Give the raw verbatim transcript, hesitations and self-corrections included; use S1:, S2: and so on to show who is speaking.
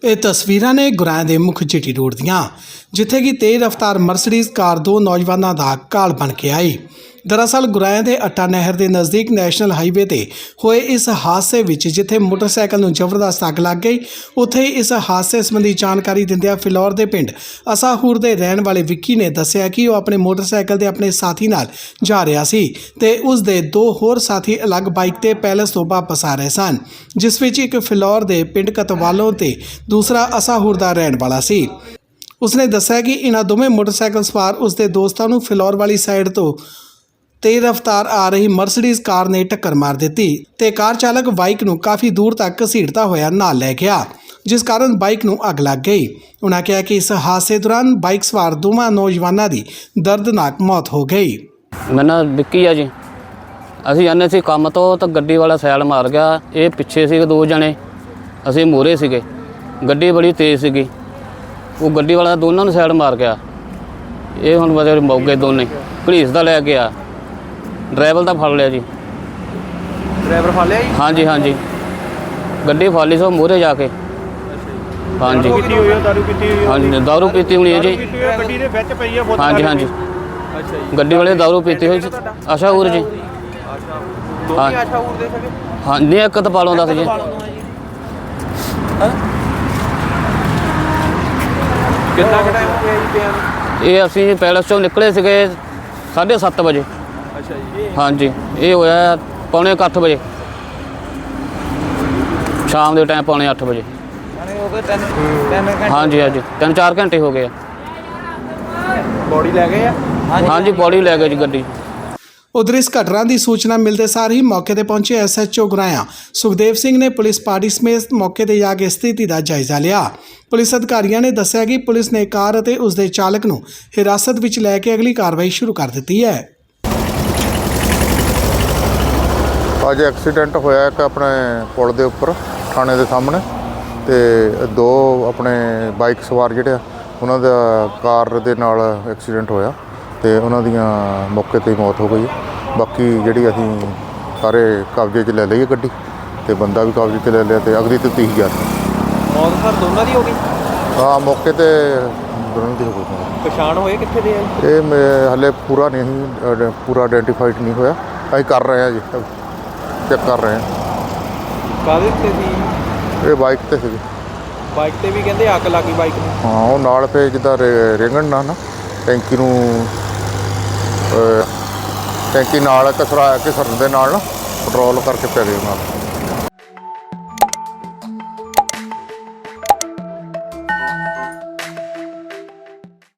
S1: ਇਹ ਤਸਵੀਰਾਂ ਨੇ ਗੁਰਾਇਆ ਦੇ ਮੁੱਖ ਜੀਟੀ ਰੋਡ ਦੀਆਂ, ਜਿੱਥੇ ਕਿ ਤੇਜ਼ ਰਫ਼ਤਾਰ ਮਰਸੀਡੀਜ਼ ਕਾਰ ਦੋ ਨੌਜਵਾਨਾਂ ਦਾ ਘਾਲ ਬਣ ਕੇ ਆਈ। दरअसल गुराया के अट्टा नहर के नज़दीक नैशनल हाईवे ते होए इस हादसे विच जिथे मोटरसाइकिल नूं जबरदस्त अग लग गई, उत्थे इस हादसे संबंधी जानकारी दिंदिआं फिलौर के पिंड असाहूर के रहने वाले विक्की ने दस्सिआ कि वह अपने मोटरसाइकिल के अपने साथी नाल जा रहा सी ते उस दे दो होर साथी अलग बाइक ते पैलेस तो वापस आ रहे सन, जिस विच एक फिलौर के पिंड कतवालों ते दूसरा असाहूर का रहने वाला सी। उसने दस्सिआ कि इन्हां दोवें मोटरसाइकिल सवार उसके दोस्तां नूं फिलौर वाली साइड तो तेज रफ्तार आ रही मर्सिडीज़ कार ने टक्कर मार दी ते कार चालक बाइक नूं काफ़ी दूर तक घसीटता होया नाल लै गया, जिस कारण बाइक नूं अग लग गई। उन्होंने कहा कि इस हादसे दौरान बाइक सवार दोवां नौजवानों की दर्दनाक मौत हो गई।
S2: मैं ना विक्की आ जी, असीं जाने सी काम तो तो गड्डी वाला सैड मार गया। ये पिछे से दो जने, असीं मूहरे सीगे, गड्डी बड़ी तेज़ सीगी, वो गड्डी वाला दोनों नूं सैड मार गया। ये हुण बचे मौके दोने घड़ीसदा लै गया, ड्राइवर का फड़ लिया जी।
S3: ड्राइवर फड़ लिया जी?
S2: हाँ जी हाँ जी, गड्डी फड़ ली सो मूहरे जाके। हाँ जी
S3: दारू पीती हुई?
S2: हाँ जी दारू पीती हुई है जी।
S3: गड्डी दे विच पई है?
S2: हाँ जी हाँ जी,
S3: अच्छा जी।
S2: गड्डी वाले दारू पीती हुई अशाहूर जी।
S3: हाँ अशाहूर दे सके?
S2: हाँ नहीं, एक तो पालों दा सी जी।
S3: कितना टाइम हो गया जी पिया?
S2: ये असीं पैलेस चों निकले सीगे साढ़े सत्त बजे।
S3: अच्छा जी।
S2: हाँ जी, ये होया पौने अठ बजे शाम के टाइम, पौने अठ बजे। हाँ जी हाँ जी, तीन चार घंटे हो गए।
S3: बॉडी लै गए?
S2: हाँ जी बॉडी लै गए जी गड्डी।
S1: उधर इस घटना की सूचना मिलते सार ही मौके पर पहुंचे S H O Guraya Sukhdev Singh ने पुलिस पार्टी समेत मौके पर जाके स्थिति का जायजा लिया। पुलिस अधिकारियों ने दस्सिआ कि पुलिस ने कार और उसके चालक नूं हिरासत में लैके अगली कार्रवाई शुरू कर दी है।
S4: अज एक्सीडेंट होया एक अपने पुल के उपर थाने के सामने, तो दो अपने बाइक सवार जिहड़े उन्हां दा कार दे नाल एक्सीडेंट होया तो उन्हां दियां मौके ते मौत हो गई। बाकी जिहड़ी असीं सारे कब्जे च ले लई गड्डी ते बंदा भी कब्जे च ले लिया तो अगली तफ्तीश जारी।
S3: मौत सर दोनों की हो गई?
S4: हाँ मौके ते दोनों की हो गई।
S3: पछाण होए कित्थे दे?
S4: ये हले पूरा नहीं पूरा आइडेंटिफाइड नहीं होया, असीं कर रहे हैं जी, चेक कर रहे हैं।
S3: काहदे ते सी?
S4: ये बाइक ते सी।
S3: बाइक ते भी कहंदे अग लग गई बाइक नूं?
S4: हाँ वो नाल पे जिद्दां रेंगण ना ना टैंकी नूं टैंकी नाल घसरा घसरन दे नाल ना पेट्रोल करके पै गए नाल।